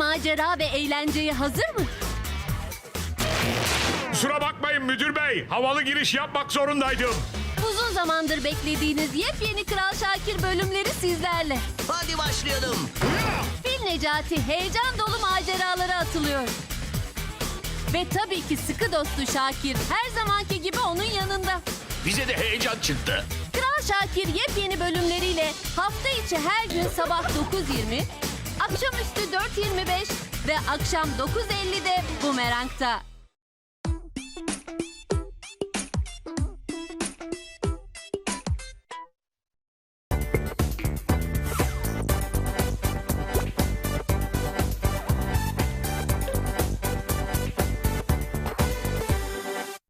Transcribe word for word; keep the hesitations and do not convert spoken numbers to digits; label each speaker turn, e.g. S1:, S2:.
S1: macera ve eğlenceye hazır mı?
S2: Kusura bakmayın müdür bey. Havalı giriş yapmak zorundaydım.
S1: Uzun zamandır beklediğiniz yepyeni Kral Şakir bölümleri sizlerle.
S3: Hadi başlayalım.
S1: Fil Necati heyecan dolu maceralara atılıyor. Ve tabii ki sıkı dostu Şakir her zamanki gibi onun yanında.
S4: Bize de heyecan çıktı.
S1: Kral Şakir yepyeni bölümleriyle hafta içi her gün sabah dokuz yirmi, akşamüstü dört yirmi beş ve akşam dokuz ellide Bumerang'da.